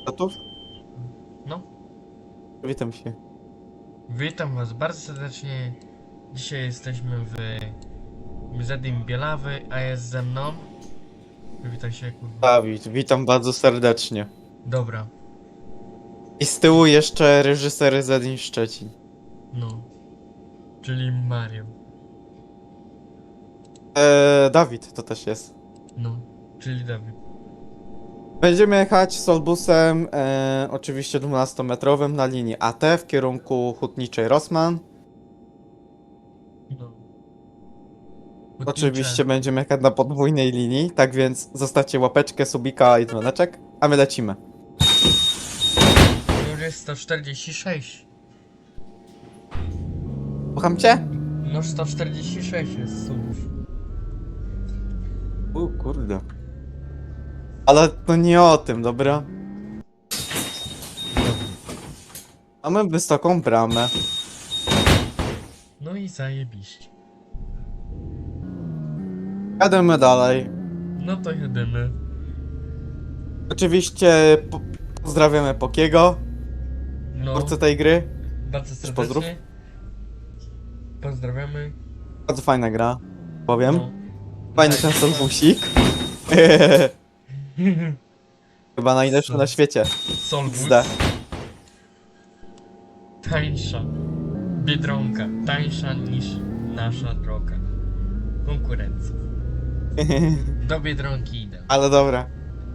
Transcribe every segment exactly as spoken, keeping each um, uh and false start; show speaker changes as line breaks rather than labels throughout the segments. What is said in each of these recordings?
Gotów?
No,
Witam się.
witam was bardzo serdecznie. Dzisiaj jesteśmy w Muzeum Bielawy, a jest ze mną. Witaj się, kurwa.
Dawid, witam bardzo serdecznie.
Dobra,
I z tyłu jeszcze reżyser Zedin Szczecin.
no, czyli Mario.
Eee, Dawid to też jest.
No, czyli Dawid.
Będziemy jechać Solbusem, e, oczywiście dwunastometrowym na linii A T w kierunku hutniczej Rossmann.
No. Hutnicze.
Oczywiście będziemy jechać na podwójnej linii, tak więc zostawcie łapeczkę, subika i dzwoneczek, a my lecimy.
Już jest sto czterdzieści sześć.
Słucham cię?
No, sto czterdzieści sześć jest subów.
U kurde. Ale to nie o tym, dobra? Mamy wysoką bramę.
No i zajebiście.
Jademy dalej.
No to jedymy.
Oczywiście po pozdrawiamy Pokiego,
No,
twórcę tej gry.
bardzo
pozdrów.
serdecznie. Pozdrawiamy.
Bardzo fajna gra, powiem.
No.
Fajny ten
Zajebiście.
solbusik. Chyba najlepszy na świecie.
Solbus.
Zda.
Tańsza. Biedronka. Tańsza niż nasza droga. Konkurencja. Do Biedronki idę.
Ale dobra.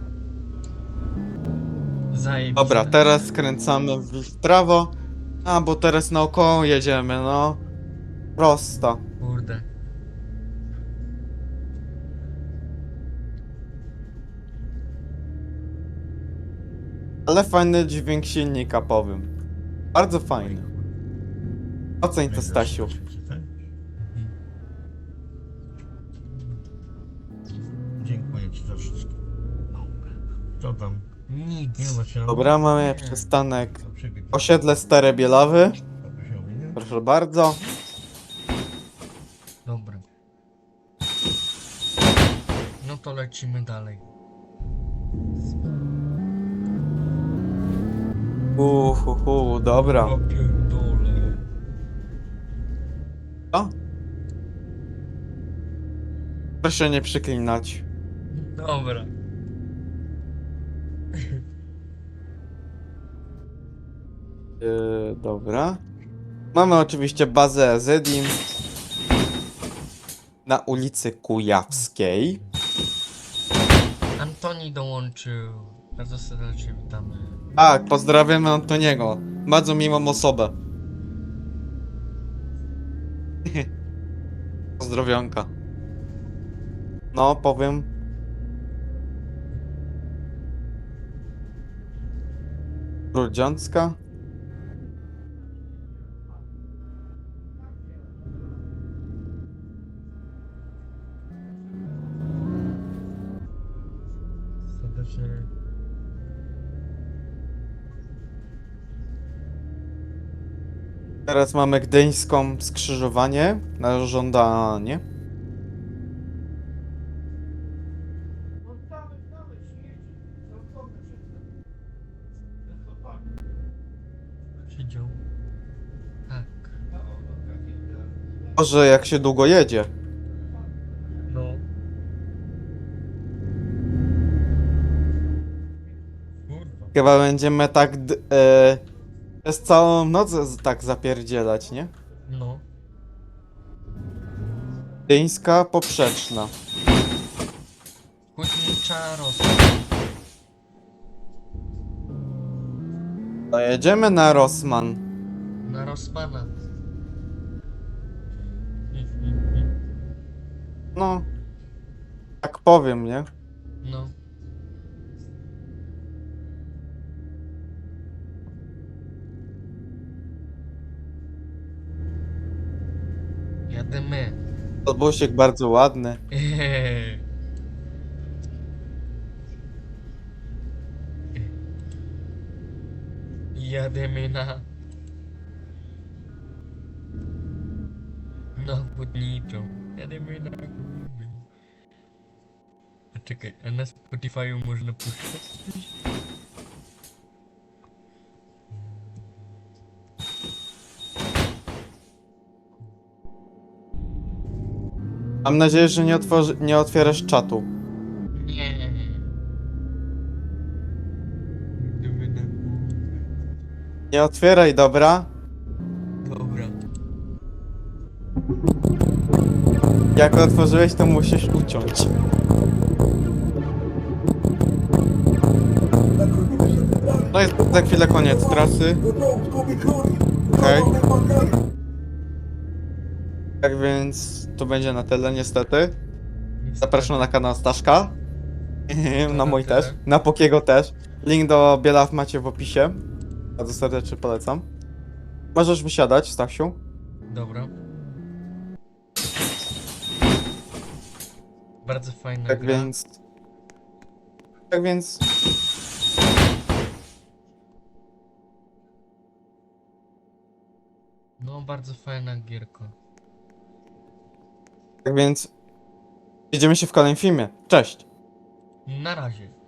Zajebiście.
Dobra, teraz skręcamy w w prawo. A, bo teraz naokoło jedziemy, no. Prosto.
Kurde.
Ale fajny dźwięk silnika, powiem. Bardzo fajny. Oceń to, Stasiu.
Mhm.
Dziękuję ci za wszystko. Co tam?
Nic.
Nie ma się.
Dobra, mamy przystanek.
To przebieg.
Osiedle Stare Bielawy.
Dobrze się mówi, nie?
Proszę bardzo.
Dobra. No to lecimy dalej.
Uhuhu, dobra.
O pierdole.
O. Proszę nie przyklinać.
Dobra.
Yy, dobra. Mamy oczywiście bazę Zedim na ulicy Kujawskiej.
Antoni dołączył. Bardzo serdecznie witamy.
Tak, pozdrawiamy Antoniego. Bardzo miłą osobę. Pozdrowionka. No, powiem. Grudziącka.
Serdecznie.
Teraz mamy gdyńską skrzyżowanie na żądanie.
Siedział. Tak.
Może jak się długo jedzie.
No. Kurwa.
Chyba będziemy tak d- e, przez całą noc z- tak zapierdzielać, nie?
No.
Gdyńska poprzeczna.
Hutnicza Rosa.
To jedziemy na Rossmann.
Na Rossmana.
No. Tak powiem, nie?
No. Jademy.
Odbusik bardzo ładny.
Eee. Jademy na... Na Hutniczą. Jademy na... A czekaj, a na Spotify'u można puszczać?
Mam nadzieję, że nie, otworzy, nie otwierasz czatu.
Nie, nie, nie. Gdyby na głowę.
Nie otwieraj, dobra?
Dobra.
Jak otworzyłeś, to musisz uciąć. No jest za chwilę koniec trasy. Okej. Tak więc to będzie na tyle niestety. Zapraszam na kanał Staszka. Na mój
tyle.
też. Na Pokiego też. Link do Bielaw macie w opisie. Bardzo serdecznie polecam. Możesz wysiadać, Stasiu.
Dobra. Bardzo fajna
Tak
gra.
więc... Tak więc...
No, bardzo fajna gierka.
Tak więc... Widzimy się w kolejnym filmie. Cześć!
Na razie.